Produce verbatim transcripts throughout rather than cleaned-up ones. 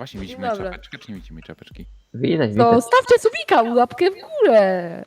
właśnie Dzień widzimy dobry. czapeczkę, czy nie widzimy czapeczki? Widać, To widać. stawcie subika, łapkę w górę.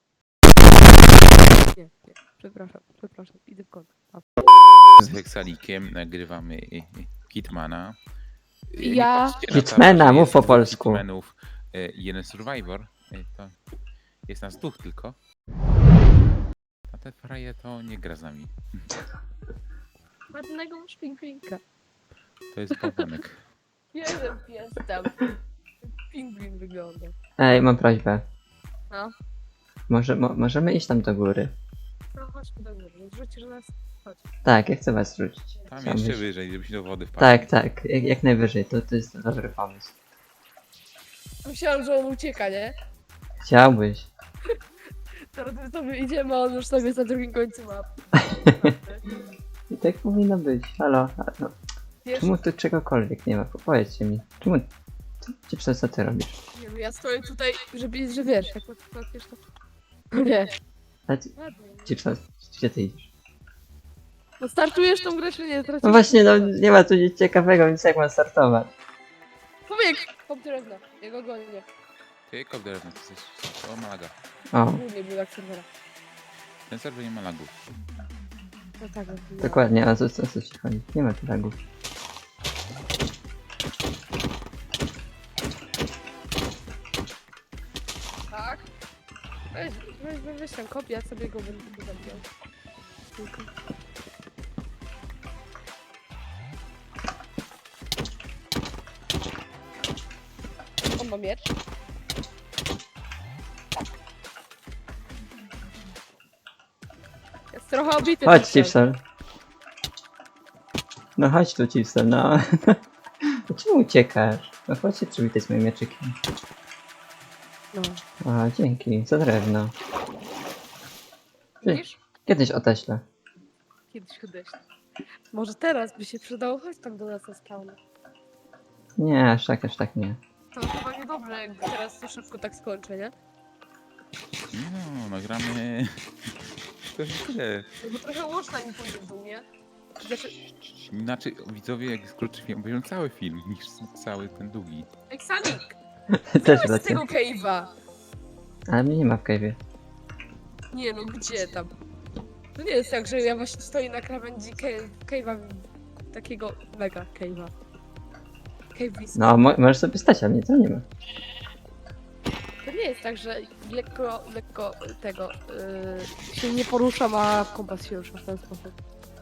Nie, nie, przepraszam, przepraszam, idę w kąt. A, Z Heksalikiem nagrywamy y, y, Hitmana. Y, nie Ja- patrzcie na to, Hitmana, że mów jest po dwóch polsku. Hitmanów, y, jeden Survivor. Y, To jest nas dwóch tylko. A te fraje to nie gra z nami. ładnego masz pingwinka. To jest bałwanek. Jeden pies tam. Pingwin wygląda. Ej, mam prośbę. No. Może, mo, możemy iść tam do góry? No chodźmy do góry, zrzucisz nas. Chodź. Tak, ja chcę was rzucić. Tam Chciałbyś- jeszcze wyżej, żebyś do wody wpadł. Tak, tak, jak, jak najwyżej, to, to jest dobry pomysł. Myślałam, że on ucieka, nie? Chciałbyś. Teraz my sobie idziemy, a on już sobie jest na drugim końcu mapy. I tak powinno być. Halo, halo. Wiesz, Czemu tu czegokolwiek nie ma? Powiedzcie mi. Czemu... Co, co, co ty robisz? nie wiem, ja stoję tutaj, żeby, że wiesz, jak wiesz to... Nie. Ale ty, Ładnie. Chipsa, gdzie ty idziesz? No startujesz tą grę, czy nie? Tracisz... No właśnie, no nie ma tu nic ciekawego, więc jak mam startować? Powiek! Hop drewna, jego gonię. Ty, kopder, no to jesteś... O, ma laga. O, Głównie był jak serwera. Ten serwer nie ma lagów. No tak, no. dokładnie, a co, co, co ci chodzi? Nie ma tu lagów. Tak? Weź, weź, weź, weź tam kopię, ja sobie go będę tu zabijał. Tylko. On ma miecz. Jest trochę obity. Chodź, ten cel. Chipsel. No chodź tu, Chipsel, no. No czemu uciekasz? No chodź się przywitaj z moim mieczykiem. No. A, dzięki, za drewno. Ty, Widzisz? kiedyś odeślę. Kiedyś odeślę. Może teraz by się przydało, chodź tam do nas na spawn. Nie, aż tak, aż tak nie. To chyba niedobrze, jak teraz to szybko tak skończę, nie? No, nagramy... To jest tyle. No bo trochę łączna mi pójdzie w dół, nie? Znaczy, Inaczej widzowie, jak skróci film, obejrzą cały film, niż cały ten długi. ej, Sanik! Też Chodź z racja. tego cave'a! Ale mnie nie ma w cave'ie. Nie no, gdzie tam? To nie jest tak, że ja właśnie stoję na krawędzi ca- cave'a, takiego mega cave'a. Cave'is. No, mo możesz sobie stać, a mnie to nie ma. To nie jest tak, że lekko, lekko tego, yy, się nie poruszam, a kompas się rusza w ten sposób.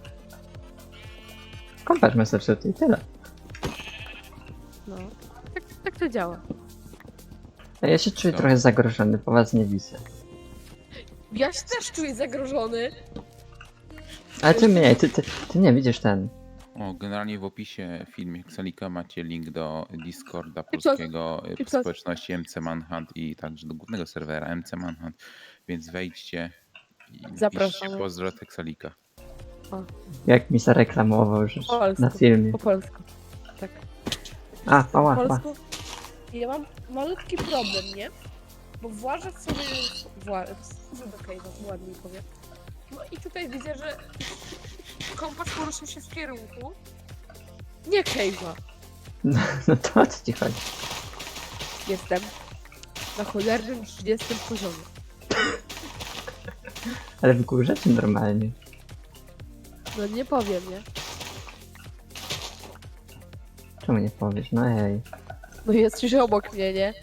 Kompas masz zepsuty i tyle. No, tak, tak to działa. A ja się czuję Co? trochę zagrożony, po was nie widzę. Ja się też czuję zagrożony. Ale ty mnie, ty, ty, ty nie widzisz ten. O, generalnie w opisie filmu Hexalika macie link do Discorda I co? polskiego y, I co? społeczności M C Manhunt i także do głównego serwera M C Manhunt, więc wejdźcie i Zapraszamy. napiszcie pozdro od Hexalika. Jak mi zareklamował że Po polsku. na filmie. Po polsku. Tak. A, Po ała, ała. polsku. Ja mam malutki problem, nie? Bo włażę sobie... Włażę do cave'a, ładniej powiem. No i tutaj widzę, że kompas poruszył się w kierunku. Nie cave'a. No, no to o co ci chodzi? Jestem na cholernym trzydziestym poziomie. Ale w górze czy normalnie? No nie powiem, nie? Czemu nie powiesz? No ej. No jesteś obok mnie, nie?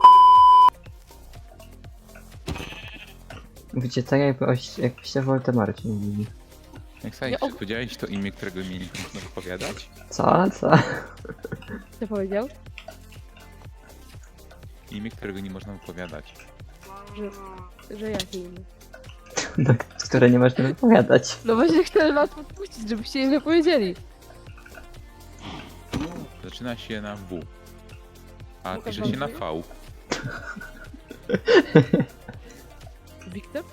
Mówicie tak jakby oś, jakbyście o Voldemorcie mówili. Hexalik, Ja czy og- powiedziałeś to imię, którego mi nie można wypowiadać? Co? Co? Co powiedział? Imię, którego nie można wypowiadać. Że, że jakie imię? No, które nie można wypowiadać. No właśnie chcę was podpuścić, żebyście je wypowiedzieli. Zaczyna się na W, a Łukasz pisze się na Wątpię? V. Wiktor?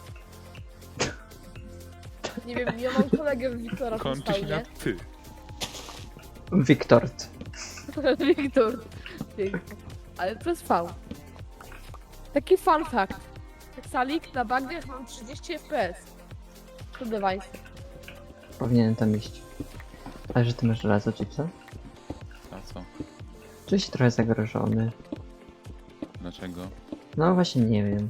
Nie wiem, ja mam kolegę Wiktora w Kończy się na spawnie. Ty. Wiktort. Wiktor. Wiktor. Ale przez V. Taki fun fact. Salik na bagniach mam trzydzieści F P S. To device. Powinienem tam iść. Ale że ty masz żelazo, czy co? A co? Czuję się trochę zagrożony. Dlaczego? No właśnie nie wiem.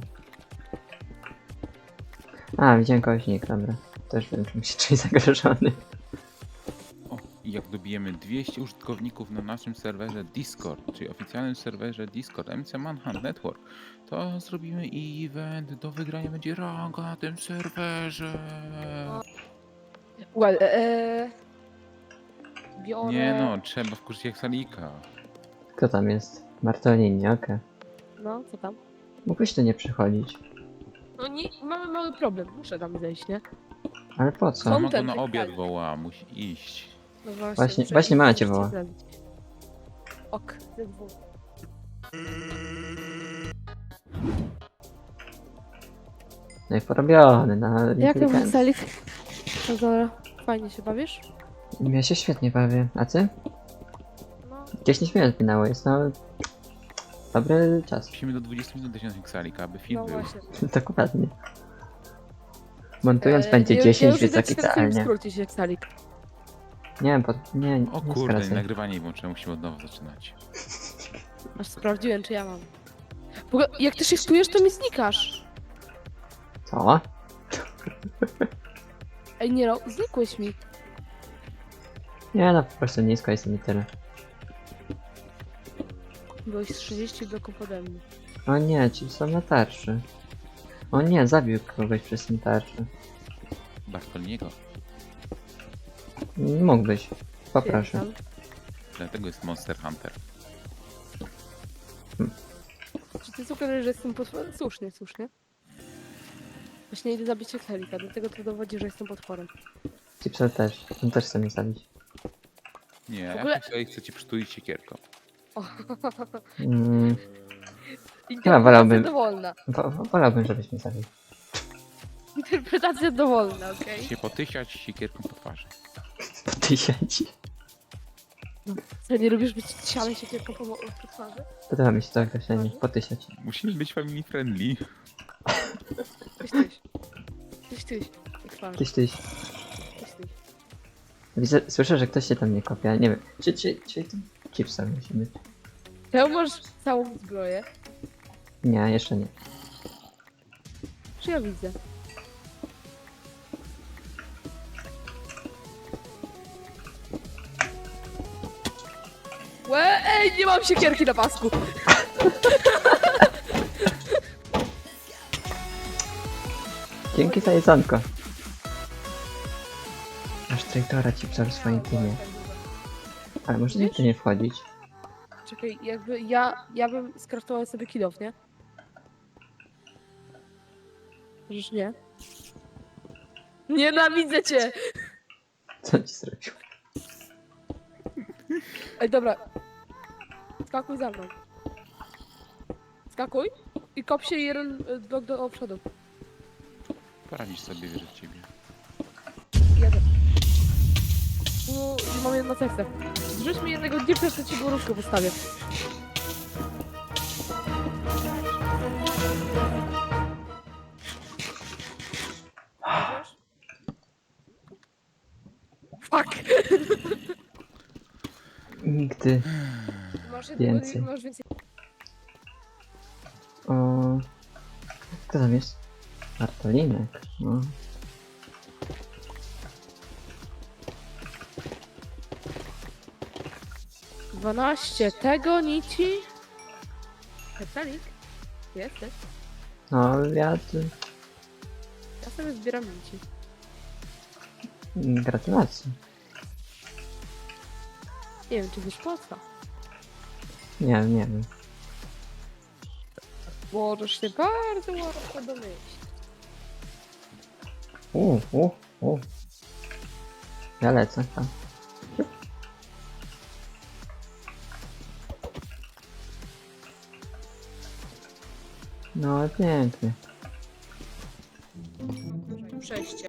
A, widziałem kogoś nick, dobra. Też wiem, czym się czuję zagrożony. O, i jak dobijemy dwieście użytkowników na naszym serwerze Discord, czyli oficjalnym serwerze Discord M C Manhunt Network, to zrobimy event, do wygrania będzie ranga na tym serwerze. Well, eee... Biorę... Nie no, trzeba wkurzyć jak salika. Kto tam jest? Bartolini, okej. No, co tam? Mógłbyś tu nie przychodzić. No nie, mamy mały problem, muszę tam zejść, nie? Ale po co? Kom- Mama go Content na obiad lokalny. woła, musi iść. No właśnie, Właśnie- muszę właśnie iść, mama cię muszę woła. zrobić. Ok, ze dwóch. No i porobiony na Jak tam inteligencję. Salik? No dobra, fajnie się bawisz? Ja się świetnie bawię. A ty? No, dziesięć minut minęło, jest no... Dobry czas. Musimy do dwudziestu minut dosiągnąć salika, aby film no był. właśnie. Dokładnie. Montując Eee, będzie ja- dziesięć, ja już więc idę tak ci ten film idealnie. skrócić jak Salik. Nie wiem, po... nie, nie O kurde, skracaj. nagrywanie włączyłem, musimy od nowa zaczynać. Aż sprawdziłem, czy ja mam. W ogóle, jak ty shiftujesz, to mi znikasz. Co? Ej, nie no, znikłeś mi. Nie no, po prostu nisko jestem i tyle. Byłeś z trzydzieści bloków pode mnie. O nie, ci są na tarczy. O nie, zabił kogoś przez ten tarczę. Bartoliniego. Mógłbyś. Poproszę. Tam. Dlatego jest Monster Hunter. Czy ty sugerujesz, że jestem potworem? Słusznie, słusznie. Właśnie idę zabić Excelika, dlatego to dowodzi, że jestem potworem. Chipsel też. On też chce mnie zabić. Nie, W ogóle- ja sobie chcę ci przytulić siekierką. O, Mm, interpretacja wolałbym- dowolna. wo- wo- wolałbym, żebyś mnie zabił. Interpretacja dowolna, okej? Się potysiać siekierką po twarzy. Tysięci. Co, nie lubisz być siany się tylko po, po twarzy? Podoba mi się to określenie. Potysiać. Musimy być family friendly. Tyś, tyś. Tyś, tyś. Po twarzy. Tyś, tyś. Tyś, tyś. Widzę, słyszę, że ktoś się tam nie kopia. Nie wiem. Czy, czy, czy to Chipsel musi być? Czemu masz całą zbroję? Nie, jeszcze nie. Czy ja widzę? Łe, ej, nie mam siekierki na pasku! Dzięki za jedzonko. Masz traitora Chipsel w swoim teamie. Ale może nie tu nie wchodzić. Czekaj, jakby ja, ja bym skraftowała sobie kilof, nie? Przecież nie. Nienawidzę cię! Co ci zrobił? Ej, dobra. Skakuj za mną. Skakuj i kop się jeden y, blok do przodu. Poradzisz sobie, wierzę w ciebie. Jadę. No, mam jedno serce. Zrzuć mi jednego dipsa, to ci górówkę postawię. Wiesz? Fuck! Nigdy. Masz jednego, Więcej. masz więcej. O... Kto tam jest? Bartolinek. No. dwanaście tego nici. Petalik? Jesteś? No, ja... tu- Ja sobie zbieram nici. Gratulacje. Nie wiem, czy wiesz po co. Nie, nie wiem. Możesz się bardzo łatwo domyślić. U, u, u. Ja lecę tam. No, pięknie. Przejście.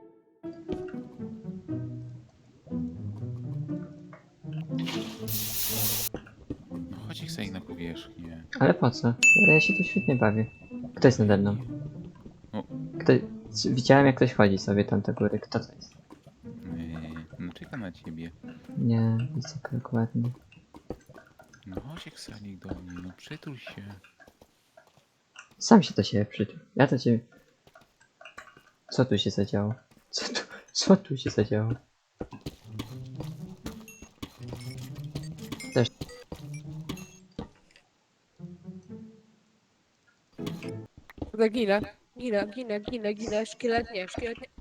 No chodź ich sobie na powierzchnię. Ale po co? Ja się tu świetnie bawię. Kto jest nade mną? O. Kto... Widziałem jak ktoś chodzi sobie tam do góry. Kto to jest? Yy, no czeka na ciebie. Nie, widzę dokładnie. No chodź Uciekł Salik do mnie, no przytul się. Sam się do siebie przytul. Ja do ciebie... Co tu się zadziało? Co tu, co tu się zadziało? Też... Kurde, ginę. Ginę, ginę, ginę, ginę. Szkielet nie, szkielet nie.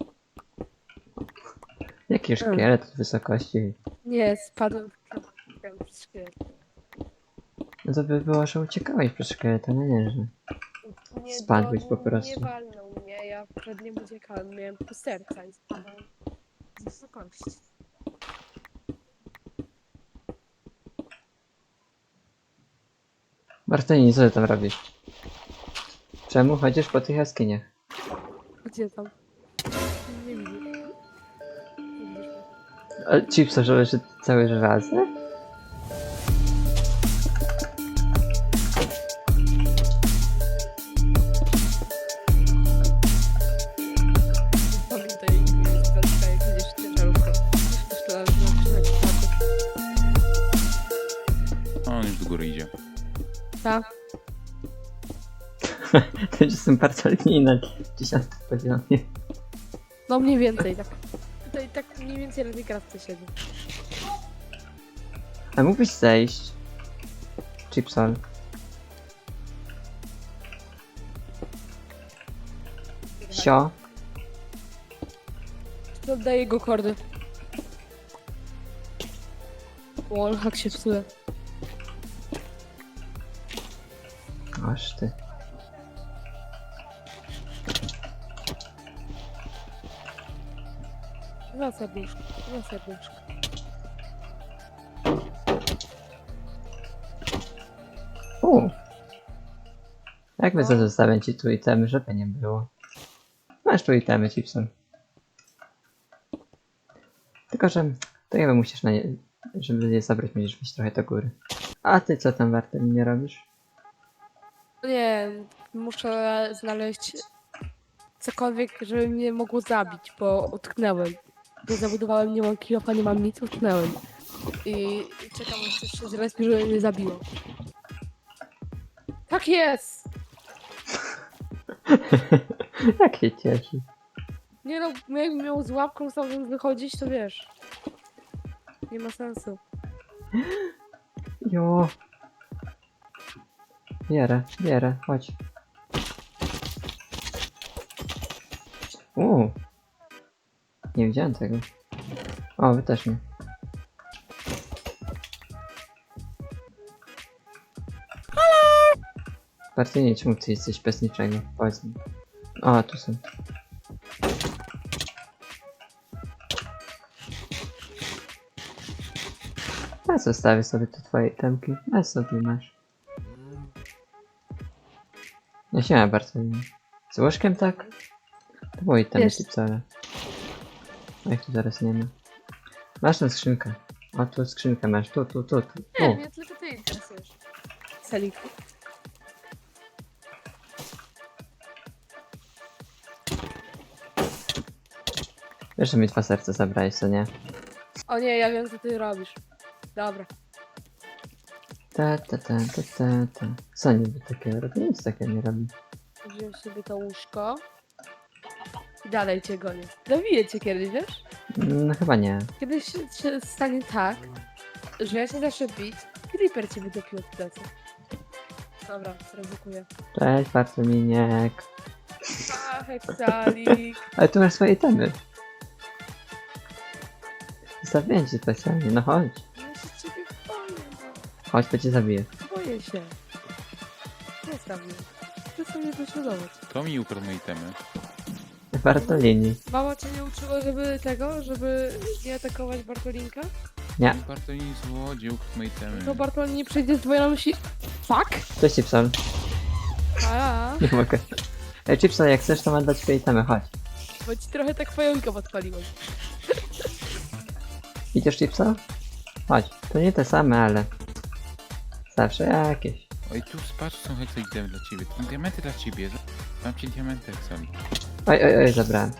Jaki szkielet od wysokości? Nie, spadłem w Spadłem przez szkielet. No to by było, że uciekałeś przez szkieleta, no nie, że... Nie, Spadłeś to po prostu. Nie walnął mnie, ja przed nim uciekałem. Miałem pół serca i spadałem z wysokości. Bartolini, co ty tam robisz? Czemu chodzisz po tych jaskiniach? Gdzie tam? Nie widzę. Nie widzisz mnie. Ale chipsa, że leży cały żelazny? Pamiętaj, Belka, jak widzisz ciężarówkę. Myślałem, że zaczyna ci patrzeć. A on już do góry idzie. Tak. To jestem Bartolini na dziesiątym poziomie. No mniej więcej, tak. Tutaj tak mniej więcej na tej kratce siedzę. A mógłbyś zejść? Chipson. Sio. Oddaję go kordy. Wallhack się psuje. Aż ty. Dwa serduszka, dwa serduszka. U. Jak No. zostawiam ci tu itemy, żeby nie było. Masz tu itemy, Chipson. Tylko, że to jakby musisz na nie... Żeby je zabrać, musisz wyjść trochę do góry. A ty co tam, Bartolini, nie robisz? Nie, muszę znaleźć cokolwiek, żeby mnie mogło zabić, bo utknęłem. Bo zabudowałem, nie mam kilofa, nie mam nic, utknęłem. I czekam, aż coś się zrespi, żeby mnie zabiło. Tak jest! Jak się cieszy. Nie no, jakbym miał z łapką stamtąd wychodzić, to wiesz. Nie ma sensu. Jo. Bierę, bierę, chodź. Uuu. Nie widziałem tego. O, wy też nie. Bartolini, czemu ty jesteś bez niczego? Powiedz mi. O, tu są. Ja zostawię sobie te twoje temki. A sobie masz. No się Bartolini. Z łożkiem tak? To było i tam Jest. wcale. A ich tu zaraz nie ma. Masz tę skrzynkę. O, tu skrzynkę masz. Tu, tu, tu, tu. Nie, tu. mnie tylko ty interesujesz. Selik. Wiesz, że mi dwa serca zabrałeś, co nie? O nie, ja wiem co ty robisz. Dobra. Ta, ta, ta, ta, ta, ta. Co niby takiego robi? Nic takiego nie robi. Wziąłem sobie to łóżko. I dalej cię gonię. Zabiję cię kiedyś, wiesz? No chyba nie. Kiedyś się, się stanie tak, że ja się zacznę bić, Creeper cię wydopił od plecy. Dobra, ryzykuję. Cześć, Bartoliniek. Ach, Salik. Ale tu masz swoje temy. Zostawiłem cię specjalnie, no chodź. Ja się ciebie boję, Chodź, to cię zabiję. no. Boję się. Zostaw mnie. Chcę sobie dośladować. To mi ukradł moje itemy. Bartolini. Mama cię nie uczyła, żeby tego, żeby nie atakować Bartolinka? Nie. Bartolini złodziej ukradł moje itemy. To Bartolin nie przejdzie z dwoje na myśli. Fuck! Cześć, Chipson. A, Nie mogę. Ej, Chipson, jak chcesz, to mam dać swoje temy, chodź. bo ci trochę tak pająka podpaliłem. Idziesz, Chipson? Chodź. To nie te same, ale... Zawsze jakieś. Oj, tu patrz, są heksa itemy dla ciebie. To są diamenty dla ciebie. Dam ci diamenty, Heksali. Oj, oj, oj, zabrałem.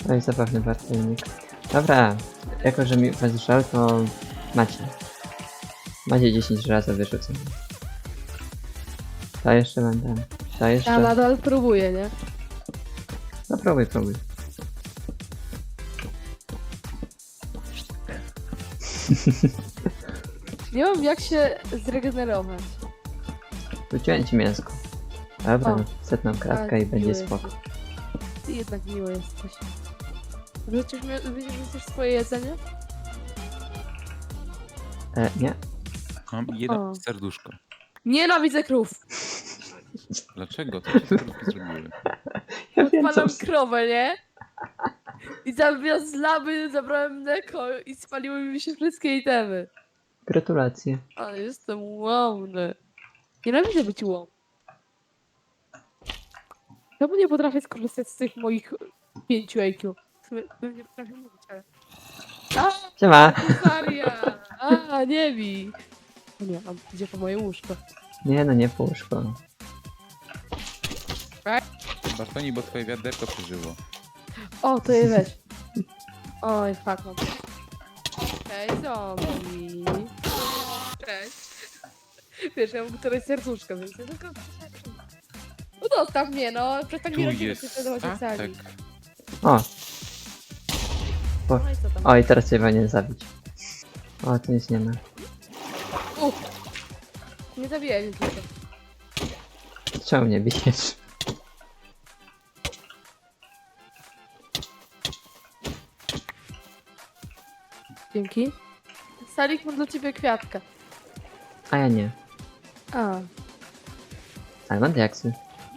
No i zabawny bartelnik. Dobra, jako że mi was żal, to macie. Macie dziesięć razy wyrzucone. To jeszcze mam dam. To Ja jeszcze. nadal próbuję, nie? No próbuj, próbuj. Nie mam jak się zregenerować. Rzuciłem ci mięsko. Dobra, O. setną kratkę A, i będzie miły spoko. jesteś. Ty jednak miło jesteś. Wrzucisz, mi- wrzucisz swoje jedzenie? E, nie? Mam jedno O. serduszko. Nienawidzę krów! Dlaczego? Co ci te krówki zrobiły? Ja wiem, co... Odpalam krowę, nie? I zamiast z lamy zabrałem mleko i spaliły mi się wszystkie itemy. Gratulacje. Ale jestem łomny. Nienawidzę być łom. Czemu nie potrafię skorzystać z tych moich pięciu I Q? W sumie bym nie potrafił mówić, ale... A, Siema! Maria! A, nie bij! O nie, on idzie po moje łóżko. Nie no, nie puszko. Bartoni, bo twoje wiaderko przeżyło. O, to je weź. Oj, fuck, mam. Cześć, zombie. Cześć. Wiesz, ja mam któreś serduszko, więc ja tylko... No dostaw mnie, no. Przestań mi Tu rodzinę jest prześladować w statek. sali. O, No i co tam? o i teraz cię nie zabić. O, tu nic nie ma. Uff. Nie zabijaj mnie tylko. Czemu mnie bijesz? Dzięki. Salik, mam dla ciebie kwiatka. A ja nie. A, Ale mam diaksy.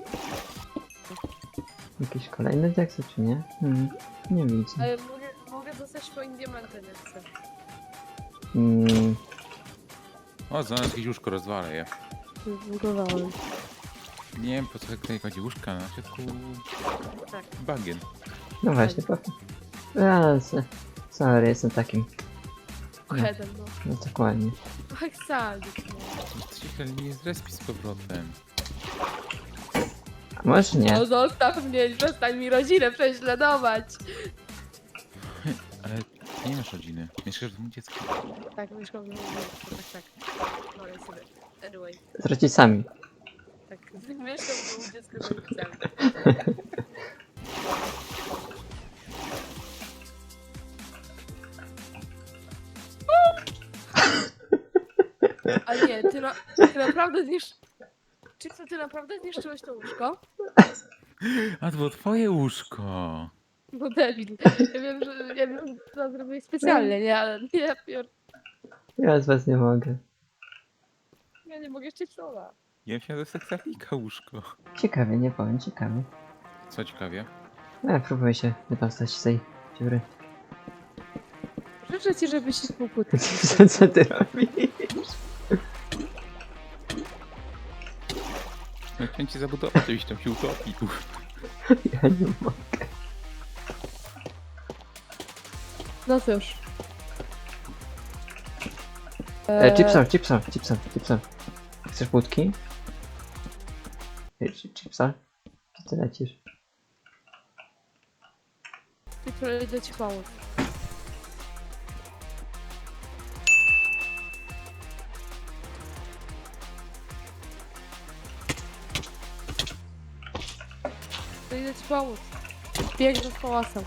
Jakieś kolejne diaksy, czy nie? Hmm, nie widzę. ale mogę, mogę dostać swoim diamentem, jak chcę. Hmm, O, znalazł jakieś łóżko, rozwalę je. Zbudowałem. Nie wiem, po co tutaj kładzie łóżka, na środku Tak. bagien. no właśnie, po... A, s- sorry, jestem takim. Headem, no. No dokładnie. Ach, Salik, no. Cicho, nie zrespi z powrotem. A może nie? No zostaw mnie, przestań mi rodzinę prześladować. Ale ty nie masz rodziny. Mieszkasz w domu dziecka. Tak, mieszkam w domu, tak, tak. Wolę sobie. Anyway, Z rodzicami. tak. Mieszkam w domu dziecka z rodzicami. A nie, ty, na, ty naprawdę zniszcz... Czy co, ty naprawdę zniszczyłeś to łóżko? A to było twoje łóżko. No debil. Ja wiem, że ja wiem, że to zrobiłeś specjalnie, nie? Ale nie, ja, pier... Ja z was nie mogę. ja nie mogę chcieć słowa. Ja myślałem, że seksafika łóżko. Ciekawie, nie powiem, ciekawie. Co ciekawie? No ja próbuję się wydostać z tej dziury. Życzę ci, żebyś się spokój. Co, co ty robisz? Ja chciałem cię zabudować, żebyś tam się utopił. Ja nie mogę. No cóż. E, chipsor, chipsor, chipsor, chipsor. Chcesz budki? Ej, chi- Chipsor? Gdzie ty lecisz? Jutro idę ci pomóc. To idę ci pomóc. Biegnę z pałasem.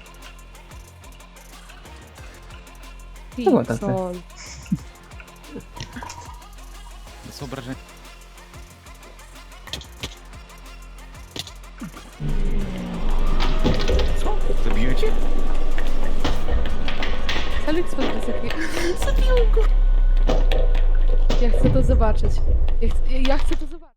To było dobre. Pixol. To są obrażenia. Co? Zabiłem cię? Salik spod wysoki. Zabił go! Ja chcę to zobaczyć. Ja chcę, ja chcę to zobaczyć.